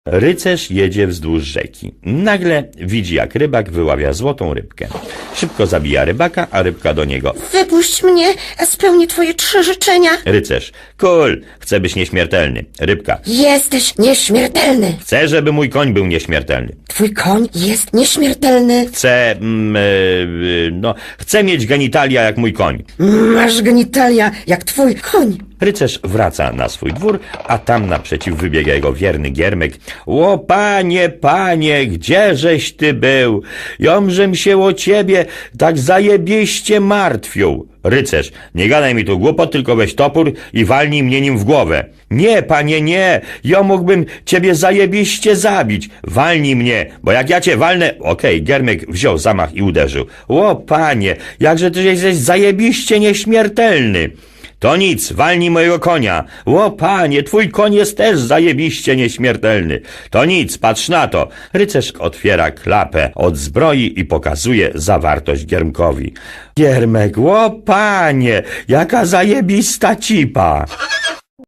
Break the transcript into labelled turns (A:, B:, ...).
A: Rycerz jedzie wzdłuż rzeki. Nagle widzi, jak rybak wyławia złotą rybkę. Szybko zabija rybaka, a rybka do niego.
B: Wypuść mnie, a spełnię twoje 3 życzenia.
A: Rycerz. Cool, chcę być nieśmiertelny. Rybka.
B: Jesteś nieśmiertelny.
A: Chcę, żeby mój koń był nieśmiertelny.
B: Twój koń jest nieśmiertelny.
A: Chcę mieć genitalia jak mój koń.
B: Masz genitalia jak twój koń.
A: Rycerz wraca na swój dwór, a tam naprzeciw wybiega jego wierny giermek. O panie, gdzieżeś ty był? Jomżem się o ciebie tak zajebiście martwił. Rycerz, nie gadaj mi tu głupot, tylko weź topór i walnij mnie nim w głowę. Nie, panie, nie, ja mógłbym ciebie zajebiście zabić. Walnij mnie, bo jak ja cię walnę... Okej, giermek wziął zamach i uderzył. O panie, jakże ty jesteś zajebiście nieśmiertelny. To nic, walnij mojego konia. O panie, twój koń jest też zajebiście nieśmiertelny. To nic, patrz na to. Rycerz otwiera klapę od zbroi i pokazuje zawartość Giermkowi. Giermek, o panie, jaka zajebista cipa.